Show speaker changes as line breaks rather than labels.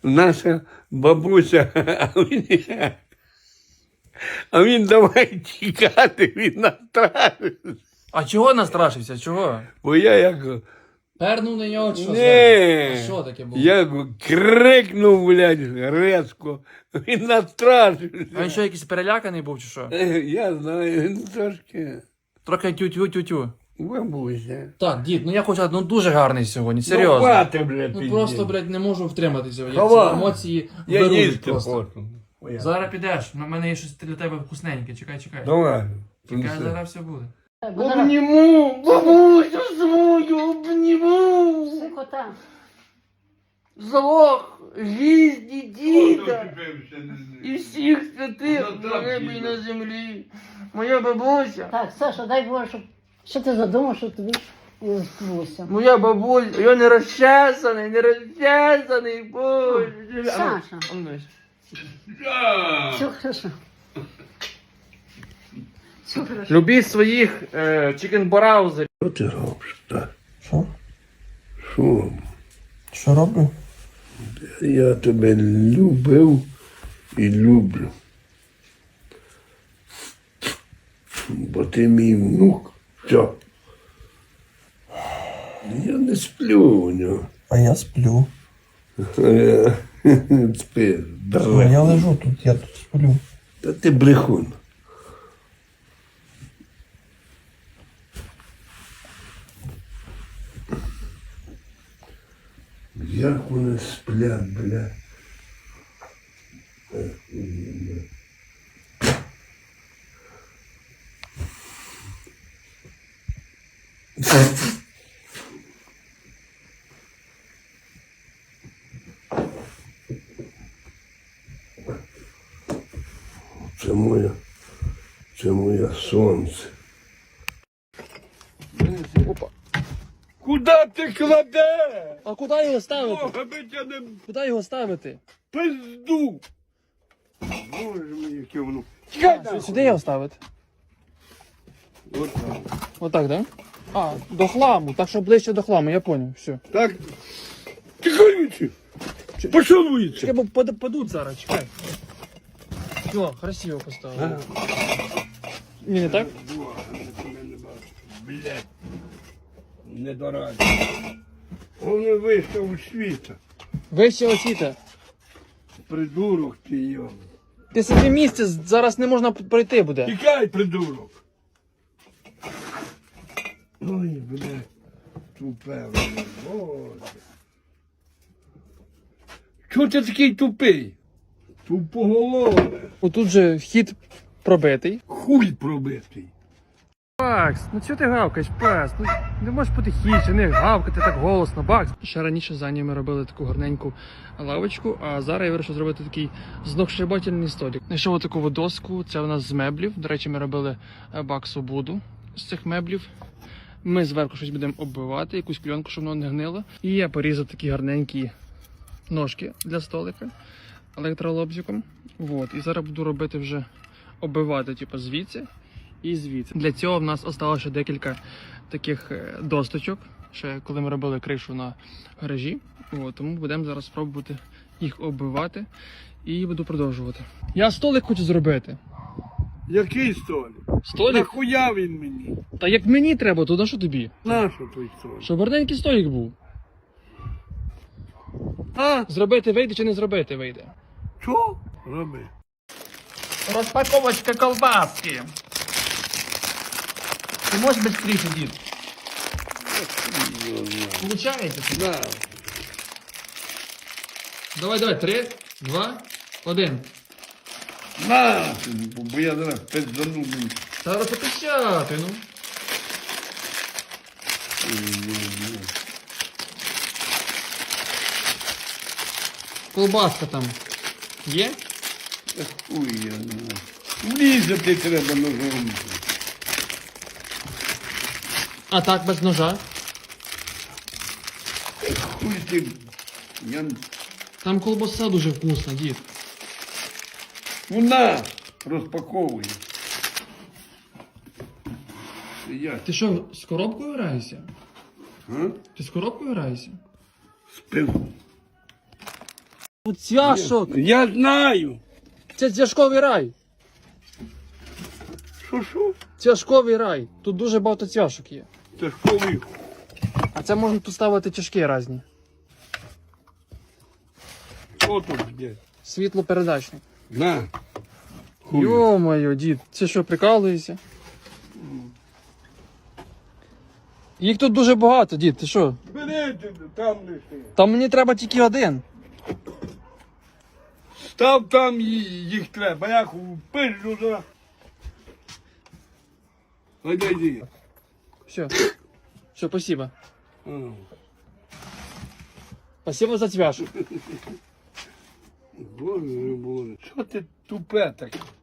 наша бабуся, а він давай тікати, він настрашився.
А чого настрашився? Чого?
Бо я як...
Пернув на нього чи що?
Не,
А що таке було?
я крикнув, блядь, резко. Він настрашився.
А він що, якийсь переляканий був чи що?
Я знаю, він трошки
Трохи тю-тю-тю-тю.
бабуся.
Так, дід, ну я хочу сказати, ну дуже гарний сьогодні, серйозно.
Ну, хвати, блядь,
Ну просто, блядь, не можу втриматися. Як
Хава.
ці емоції
Я
беруть
їсти
просто.
хочу.
Зараз підеш, на мене є щось для тебе вкусненьке, чекай.
Давай.
Чекай, зараз все буде.
Обніму, бабусю свою, обніму.
Сикота.
Залог жизни діда і всіх святих на небі і на землі. Моя бабуся.
Так, Саша, дай Боже, щоб... Що ти задумав, що тобі не збулося?
Моя бабуся, я не розчесаний, Боже.
Саша. Все хорошо. Все хорошо.
Любіть своїх чікенбараузерів.
Що ти робиш, так?
Що?
Що?
Що роблю?
Я тебе любив і люблю. Бо ти мій внук. Все. Я не сплю у нього.
А я сплю.
Спи,
А
давай.
я лежу тут, я тут сплю.
Та ти брехун. Як вони сплять, бля. Це моє сонце.
Опа.
Куда ти кладеш?
А куди його ставити?
Бога би тебе не
Куди його ставити?
пизду. Боже мій, яке воно. Тікай там.
Сюди його ставити?
От так.
Отак, так? А, до хламу, так що ближче до хламу, я поняв, все.
Так. Тікай вічі. Пішов вічі.
Чекай, бо падуть зараз, чекай. Все, красиво поставили. Ні, не так?
Блядь. Не дораді. Вони вийшов у світа.
Вище освіта.
Придурок ти його.
Ти собі місце зараз не можна пройти буде.
Тікай, придурок. Ой, блядь. Тупе, блядь. Боже. Чого ти такий тупий? Тупоголове.
Отут же вхід пробитий.
Хуй пробитий.
Бакс, ну чого ти гавкаєш, пес? Ну не можеш потихіше, не гавкати так голосно, Бакс. Ще раніше за ми робили таку гарненьку лавочку, а зараз я вирішив зробити такий знохшибательний столик. Знайшов таку доску, це у нас з меблів. До речі, ми робили Баксу буду з цих меблів. Ми зверху щось будемо оббивати, якусь кльонку, щоб воно не гнило. І я порізав такі гарненькі ножки для столика електролобзиком. Вот. І зараз буду робити вже оббивати, типу, звідси і звідси. Для цього в нас осталося декілька таких досточок, ще коли ми робили кришу на гаражі. От, тому будемо зараз спробувати їх оббивати і буду продовжувати. Я столик хочу зробити.
Який столик?
Столик?
Нахуя він мені?
Та як мені треба, то на що тобі?
Нащо той столик?
Щоб гарненький столик був.
А?
Зробити вийде чи не зробити вийде?
Що? Роби.
Розпаковочка колбаски. Ти можеш швидше, дід? Получається?
Да.
Давай, 3, 2, 1.
На! Бо я зараз пиздану.
Зараз попищати, ну. Колбаска там є?
Хуй я не знаю. Влізати треба ножом.
А так, без ножа.
Хуй ти. Я...
Там колбаса дуже вкусна, дід.
Вона розпаковує. Я
Ти що, з коробкою граєшся?
а?
Ти з коробкою граєшся?
Спив.
Цвяшок.
Я знаю.
Це цвяшковий рай.
Що?
Цвяшковий рай. Тут дуже багато цвяшок є.
Це ж коли?
А це можна тут ставити тяжкі різні.
Що тут є?
Світлопередачний.
На. Хуй.
Йо-моє, дід, це що, прикалуєшся? Їх тут дуже багато, дід, ти що?
Бери там лиши.
Там мені треба тільки один.
Став там їх треба. Я пишу за. Йди.
Все. Все, спасибо. Спасибо за цвяшок.
Боже, Боже. Що ти тупе таке?